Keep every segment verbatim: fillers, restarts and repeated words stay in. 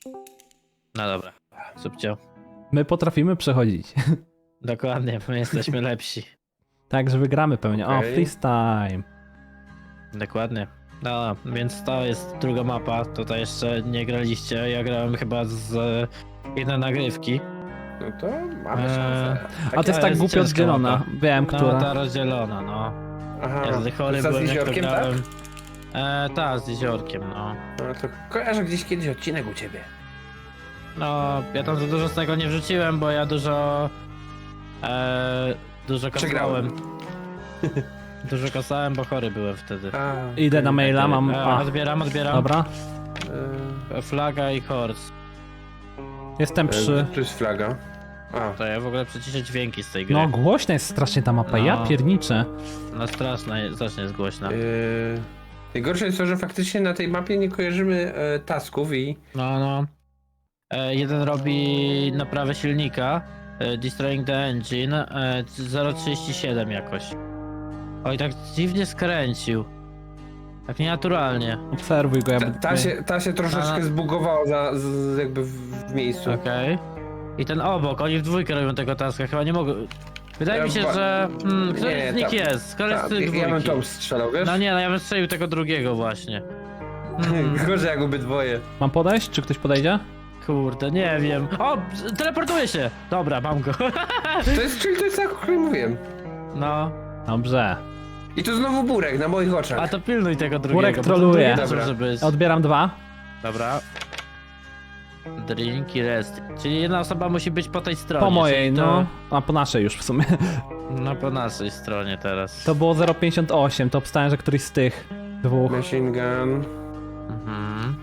No dobra, subcio. My potrafimy przechodzić. Dokładnie, my jesteśmy lepsi. Tak, że wygramy pewnie. O, Okej. freestyle. Dokładnie. No, więc to jest druga mapa. Tutaj jeszcze nie graliście. Ja grałem chyba z e, jednej nagrywki. No to mamy Eee, szansę. A to jest to tak jest głupio ciężka oddzielona. mapa. Wiem, No, która. ta rozdzielona, no. Aha, Ja wtedy chory to za byłem, jak to jeziorkiem, tak? grałem. E, ta, z jeziorkiem, no. No to kojarzę gdzieś kiedyś odcinek u ciebie. No, ja tam za dużo z tego nie wrzuciłem, bo ja dużo... E, dużo Przegrałem. kasałem. Dużo kasałem, bo chory byłem wtedy. A, Idę na maila, mam... E, A, odbieram, odbieram. dobra. e, Flaga i horse. Jestem przy... e, Tu jest flaga. A, To ja w ogóle przeciszę dźwięki z tej gry. No, głośna jest strasznie ta mapa, ja No. pierniczę. No straszna, jest- strasznie jest głośna. e, najgorsze jest to, że faktycznie na tej mapie nie kojarzymy e, tasków i... No, no. E, jeden robi naprawę silnika, e, destroying the engine, e, zero przecinek trzydzieści siedem jakoś. Oj, tak dziwnie skręcił. Tak nienaturalnie. Obserwuj go, ja Ta, będę... ta, się, ta się troszeczkę A. zbugowała za, z, jakby w, w miejscu. Okej. I ten obok, oni w dwójkę robią tego taska, chyba nie mogą... Wydaje Ja mi się, ba- że... Hmm, który Nie, z nich ta- jest? Który Ta, z tych ja bym dwójki? tą strzelał, wiesz? No nie, no ja bym strzelił tego drugiego właśnie. Hmm. Gorzej jak obydwoje. Mam podejść? Czy ktoś podejdzie? Kurde, nie wiem. O, teleportuje się! Dobra, mam go. To jest, czyli to jest tak, o którym mówiłem. No, Dobrze. I tu znowu burek na moich oczach. a to pilnuj tego drugiego. Burek bo to troluje. drugi też Dobra. może być. Odbieram dwa. Dobra. Drink i rest. Czyli jedna osoba musi być po tej stronie. Po mojej, czyli to... no. A po naszej już w sumie. No po naszej stronie teraz. To było zero przecinek pięćdziesiąt osiem, to obstałem, że któryś z tych dwóch. Machine gun. Mhm.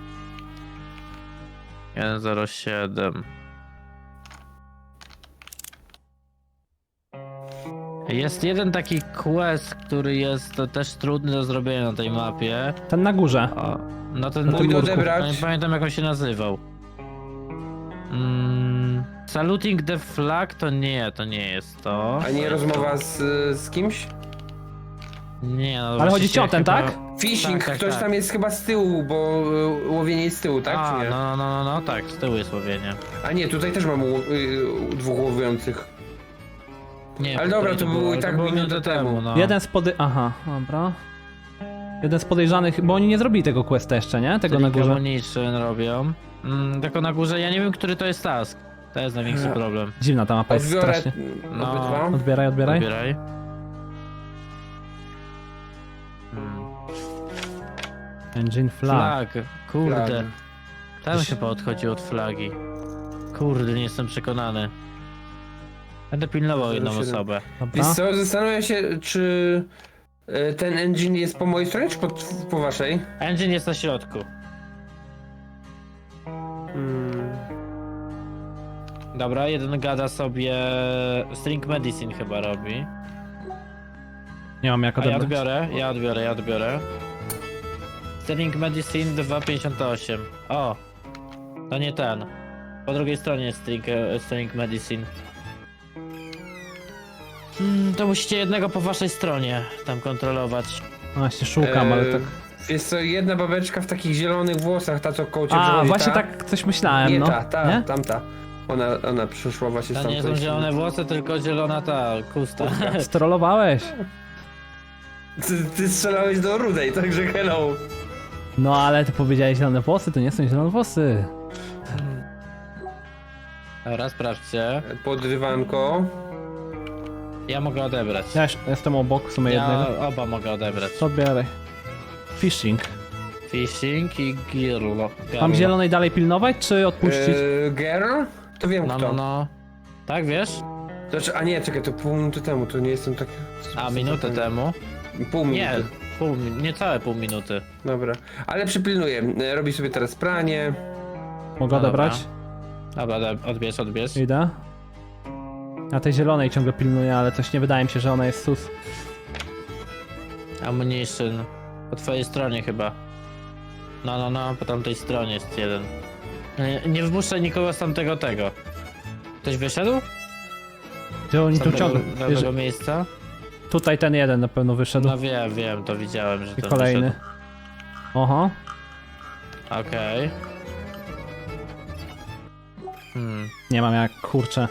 jeden zero siedem. Jest jeden taki quest, który jest też trudny do zrobienia na tej mapie. Ten na górze. O, no ten Na tym Pójdę murku. odebrać. Nie pamiętam jak on się nazywał. Mm, saluting the flag to nie, to nie jest to. A nie rozmowa z, z kimś? Nie, no Ale właśnie chodzi ci o się ten, chyba- tak? Fishing, Tak, tak, ktoś tak. tam jest chyba z tyłu, bo y, łowienie jest z tyłu, tak? A, czy nie? no, no, no, no, tak, z tyłu jest łowienie. A nie, tutaj też mam ło- y, dwóch łowiących. Nie, Ale dobra, tutaj to nie było i ale tak to było minutę temu. no. Jeden z pody... Aha, dobra. Jeden z podejrzanych, bo oni nie zrobili tego questa jeszcze, nie? Tego na górze. Ammunition robią. Mm, tylko na górze, ja nie wiem, który to jest task. To jest największy Ja. problem. Dziwna ta mapa jest Odbiorę strasznie. No. obydwa. Odbieraj, odbieraj. Odbieraj. Hmm. Engine flag. Flag, kurde. Flag. Tam chyba odchodził od flagi. Kurde, nie jestem przekonany. Będę pilnował jedną siedem. osobę. Dobra. Wiesz co, zastanawiam się, czy y, ten engine jest po mojej stronie, czy po, po waszej? Engine jest na środku. Hmm. Dobra, jeden gada sobie... String medicine chyba robi. Nie mam jak A ja odebrać. odbiorę, ja odbiorę, ja odbiorę. String medicine dwa pięćdziesiąt osiem. O! To nie ten. Po drugiej stronie jest string, e, string medicine. Hmm, to musicie jednego po waszej stronie tam kontrolować. No właśnie szukam, ale E, tak... Wiesz co, jedna babeczka w takich zielonych włosach, ta co koło ciebie A, przechodzi, właśnie ta? tak coś myślałem, Nie no. ta, ta, Nie? tamta. Ona, ona przyszła właśnie To z nie są tamtej zielone włosy, tylko zielona ta kusta. Strollowałeś. Ty, ty strzelałeś do rudej, także hello. No ale ty powiedziałeś zielone włosy, to nie są zielone włosy. Dobra, sprawdźcie. Podrywanko. Ja mogę odebrać. Ja już jestem obok w sumie jednego. Ja oba mogę odebrać. To odbieraj. Fishing. Fishing i girl. Mam zielonej dalej pilnować, czy odpuścić? E, girl? To wiem No, kto. no, no. Tak, wiesz? To, czy- a nie, czekaj, to pół minuty temu, to nie jestem tak... A, minutę temu? Pół minuty. Nie, pół, mi- niecałe pół minuty. Dobra, ale przypilnuję. E, Robi sobie teraz pranie. Mogę no odebrać? Dobra, ode- odbierz, odbierz. Idę. A tej zielonej ciągle pilnuję, ale coś nie wydaje mi się, że ona jest sus. Ammunition. Po twojej stronie chyba. No, no, no, po tamtej stronie jest jeden. Nie, nie wpuszczaj nikogo z tamtego tego. Ktoś wyszedł? Gdzie oni Z tu tamtego ciągle? Wiesz, nowego miejsca? tutaj ten jeden na pewno wyszedł. No wiem, wiem, to widziałem, że I to kolejny. wyszedł. Oho. Okej. Hmm. Nie mam jak, kurczę.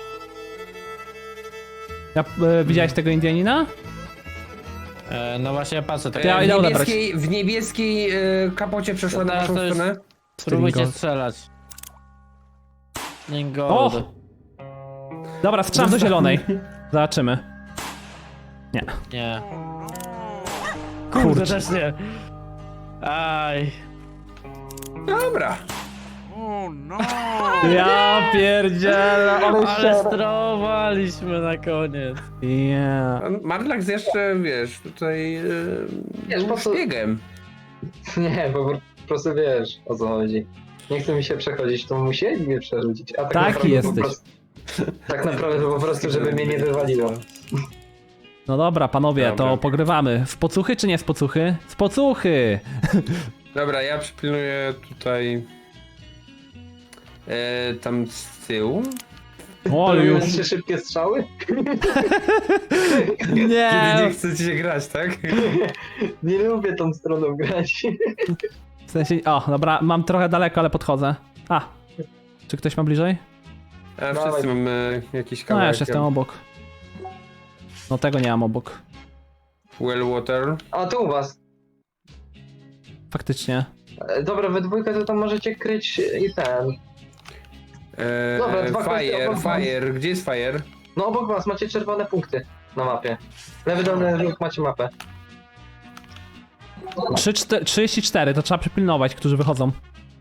Ja, e, widziałeś tego Indianina? E, no właśnie ja patrzę tak. Ja w, idę odebrać. niebieskiej, w niebieskiej e, kapocie przeszła na Teraz naszą to jest- stronę. Spróbujcie Gold. strzelać. Nie gold. O! Dobra, strzelam do zielonej. Zobaczymy. Nie. Nie. Kurczę. Kurde, też nie. Aj. Dobra. Ja pierdzielę, ale Ale strowaliśmy na koniec. Yeah. Marlax jeszcze, wiesz, tutaj e, Wiesz, był po co- szpiegiem. Nie, bo po prostu wiesz o co chodzi. Nie chce mi się przechodzić, to musieli mnie przerzucić. A tak Taki naprawdę jesteś. Po prostu, tak naprawdę to po prostu, żeby mnie nie wywaliło. No dobra, panowie, Dobra. to pogrywamy. W pocuchy czy nie z pocuchy? Z pocuchy! Dobra, ja przypilnuję tutaj e, tam z tyłu. O, To już. trzy szybkie strzały? Kiedy nie Nie! chcecie grać, tak? Nie lubię tą stroną grać. W sensie, o, dobra, mam trochę daleko, ale podchodzę. A, czy ktoś ma bliżej? A Dawaj. wszyscy mamy jakiś No ja kawałek. już jestem obok. No tego nie mam obok. Well water. A tu u was. Faktycznie. E, Dobra, we dwójkę to tam możecie kryć i ten. E, Dobra, dwa kwestie fire, obok was. fire. Gdzie jest fire? No obok was macie czerwone punkty na mapie. Lewy dolny róg macie mapę. trzy, cztery, trzydzieści cztery, to trzeba przypilnować, którzy wychodzą.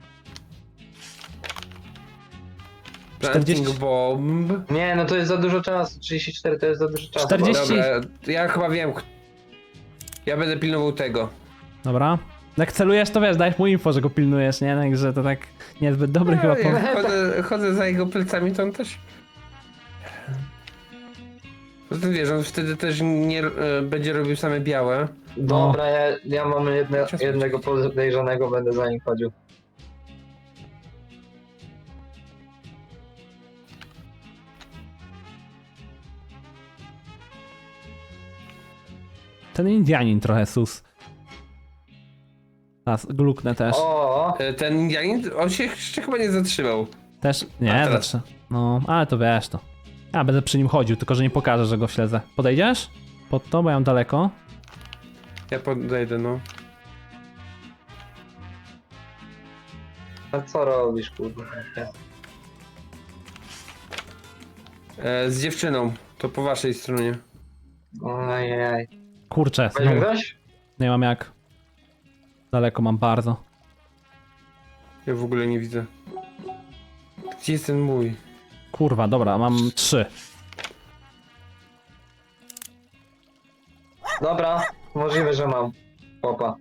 Planting czterdzieści. bomb. Nie, no to jest za dużo czasu. trzydzieści cztery to jest za dużo czasu. czterdzieści. Dobra, ja chyba wiem. Ja będę pilnował tego. Dobra. Jak celujesz, to wiesz, dajesz mu info, że go pilnujesz, nie? Także to tak niezbyt dobry chyba Ja, pomysł. jak chodzę, chodzę za jego plecami, to on też... Poza tym wiesz, on wtedy też nie e, będzie robił same białe. Dobra, ja, ja mam jedne, Czas jednego podejrzanego, będę za nim chodził. Ten Indianin trochę sus. A, gluknę też. O, E, Ten Indianin, on się jeszcze chyba nie zatrzymał. Też, A nie, teraz? znaczy, no, ale to wiesz to. Ja będę przy nim chodził, tylko że nie pokażę, że go śledzę. Podejdziesz? Pod to, bo ja mam daleko. Ja podejdę, no. a co robisz, kurwa? E, z dziewczyną. To po waszej stronie. Ojej. Kurczę, Weźmie znowu, ktoś? nie mam jak. Daleko mam bardzo. Ja w ogóle nie widzę. Gdzie jest ten mój? Kurwa, dobra, mam trzy. Dobra, możliwe, że mam. Opa.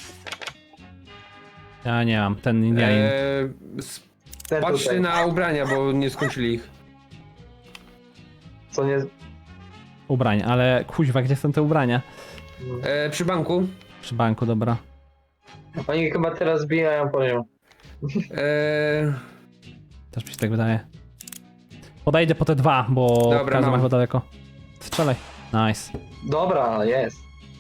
Ja nie mam, ten Indianin. E, s- Ten Patrzcie tutaj. na ubrania, bo nie skończyli ich. Co nie... Ubrań, ale kuźwa, gdzie są te ubrania? E, przy banku. Przy banku, dobra. Oni chyba teraz bijają poziom. E, Też mi się tak wydaje. Podejdę po te dwa, bo Dobra, każdy ma mam. chyba daleko. Strzelaj. Nice. Dobra, jest.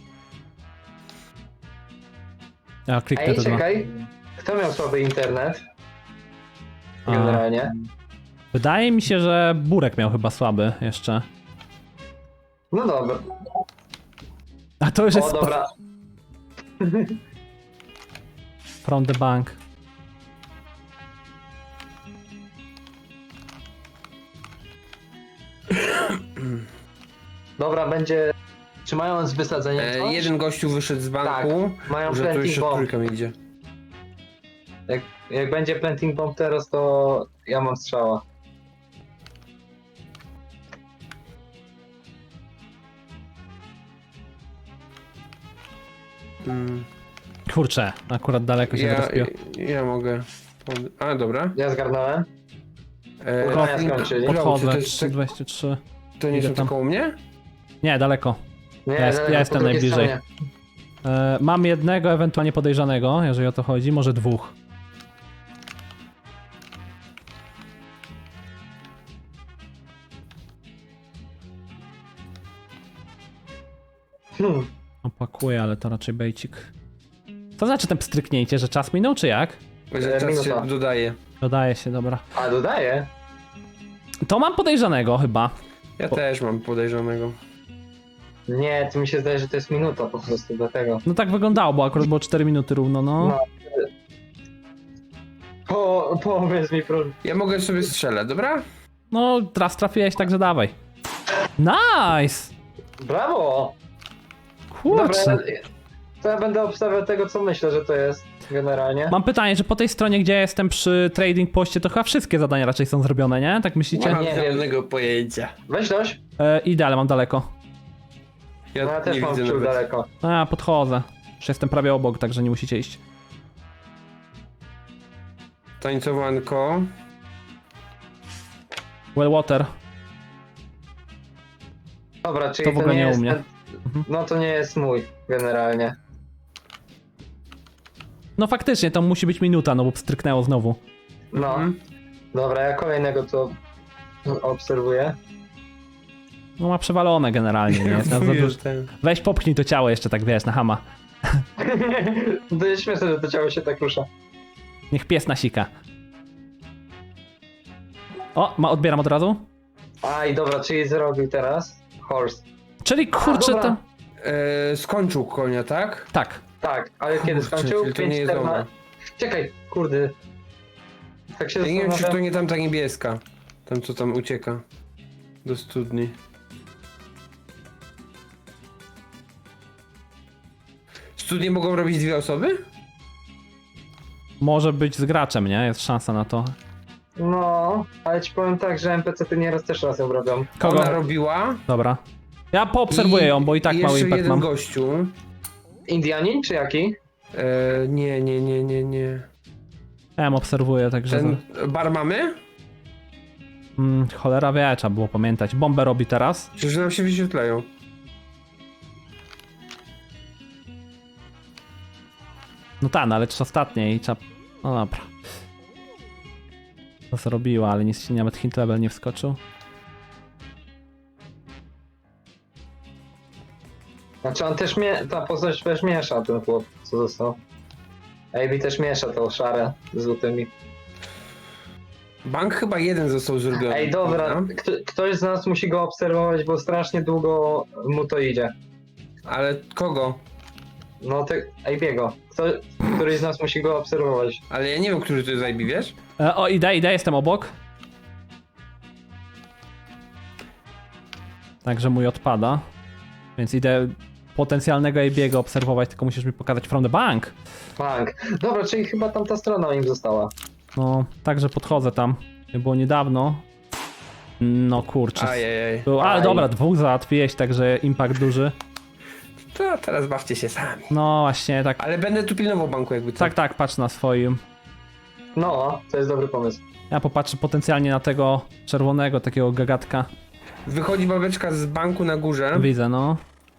Ja kliknę Ej, te dwa. czekaj. Kto miał słaby internet? A, Generalnie. wydaje mi się, że Burek miał chyba słaby jeszcze. No dobra. A to już jest O, dobra. from the bank. Dobra, będzie... Czy mają z wysadzeniem e, coś? jeden gościu wyszedł z banku. Mają Że tu planting jeszcze bomb. trójka mi idzie. Jak, jak będzie planting bomb teraz, to ja mam strzała. Mm. Kurczę, akurat daleko się Ja, wyrespiło. ja mogę. Pod- A, dobra. Ja zgarnąłem. E, Ubrania Planting- skończyli. Cloud, Podchodzę, to, jest, trzy dwadzieścia trzy. to nie Idę są tam. tylko u mnie? Nie, daleko. Nie, Ja jest- daleko, ja po jestem drugiej najbliżej. stronie. E, mam jednego ewentualnie podejrzanego, jeżeli o to chodzi, może dwóch. Hmm. Opakuję, ale to raczej bejcik. Co znaczy ten pstryknięcie, że czas minął, czy jak? Że E, czas minuta. się dodaje. Dodaje się, dobra. A, dodaję? To mam podejrzanego chyba. Ja O. też mam podejrzanego. Nie, to mi się zdaje, że to jest minuta po prostu, dlatego. No tak wyglądało, bo akurat było cztery minuty równo, no. No. Po, powiedz mi, proszę. Ja mogę sobie strzelać, dobra? No, teraz trafiłeś, także dawaj. Nice! Brawo! Dobra, Kurczę. to ja będę obstawiał tego, co myślę, że to jest generalnie. Mam pytanie, że po tej stronie, gdzie ja jestem przy trading poście, to chyba wszystkie zadania raczej są zrobione, nie? Tak Nie myślicie? mam Nie wiem. żadnego pojęcia. Weź dość. E, idę, ale mam daleko. Ja, No ja też nie mam widzę wciąż nawet. daleko. A, ja podchodzę. Już jestem prawie obok, także nie musicie iść. Tańcowanko. Well water. Dobra, czyli To w to, ogóle nie nie u jest mnie. ten... No to nie jest mój, generalnie. No faktycznie, to musi być minuta, no bo pstryknęło znowu. No. Mhm. Dobra, ja kolejnego tu obserwuję. No ma przewalone generalnie, nie? Jest na za Wujesz dużo. ten. Weź popchnij to ciało jeszcze tak, wiesz, na hama. To jest śmieszne, że to ciało się tak rusza. Niech pies nasika. O, ma, odbieram od razu. A i dobra, czyli zrobił teraz horse. Czyli kurczę dobra. to... E, skończył konia, tak? Tak. Tak, ale kiedy Kurczę, skończył? czyli to nie jest ona. Czekaj, kurde. Tak się Ja nie wiem, czy zastanawiam. to nie tamta niebieska. Tam, co tam ucieka. Do studni. Studnie mogą robić dwie osoby? Może być z graczem, nie? Jest szansa na to. No, ale ci powiem tak, że N P C ty nieraz też raz ją robią. Kogo? Ona robiła. Dobra. Ja poobserwuję ją, bo i tak i mały jeszcze impact jeden mam. gościu. Indianin czy jaki? E, nie, nie, nie, nie, nie. Ja ją obserwuję, także... Ten bar mamy? Mm, cholera wie, trzeba było pamiętać. Bombę robi teraz. Przecież nam się wyświetlają. No tak, no, ale trzy ostatnie i trzeba... No dobra. To zrobiła, ale nic się nawet hint level nie wskoczył. Znaczy on też mie... ta postać też miesza ten chłop, co został. A B też miesza to szare z złotymi. Bank chyba jeden został zrobiony. Ej, dobra, kto, ktoś z nas musi go obserwować, bo strasznie długo mu to idzie. Ale kogo? No te... Ejbiego. Kto... Któryś z nas musi go obserwować. Ale ja nie wiem, który to jest I B, wiesz? E, o, idę, idę, jestem obok. Także mój odpada. Więc idę potencjalnego A B'ego obserwować, tylko musisz mi pokazać from the bank. Bank. Dobra, czyli chyba tamta strona im została. No, także podchodzę tam. Było niedawno. No kurczę. Ajajaj. Był, ale Aj. dobra, dwóch załatwiłeś, także impact duży. To teraz bawcie się sami. No właśnie, tak. Ale będę tu pilnował banku jakby co. Tak, tak, patrz na swoim. No, to jest dobry pomysł. Ja popatrzę potencjalnie na tego czerwonego, takiego gagatka. Wychodzi babeczka z banku na górze. Widzę, no.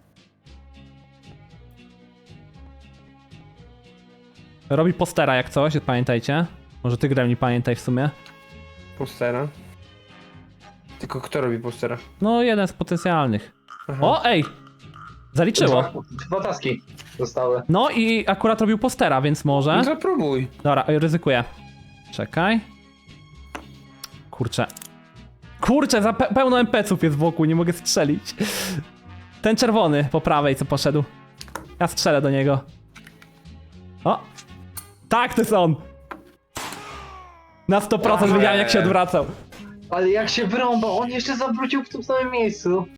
Robi postera jak coś, pamiętajcie. Może ty, Gremlin, pamiętaj w sumie. Postera. Tylko kto robi postera? No, jeden z potencjalnych. Aha. O, ej! Zaliczyło. Dwa, dwa taski zostały. No i akurat robił postera, więc może. No zapróbuj. Dobra, oj, ryzykuję. Czekaj. Kurczę. Kurczę, za pe pełno N P C ów jest wokół, nie mogę strzelić. Ten czerwony po prawej, co poszedł. Ja strzelę do niego. O! Tak, to jest on! Na sto procent Ojej. wiedziałem, jak się odwracał. Ale jak się wrąbał, on jeszcze zawrócił w tym samym miejscu.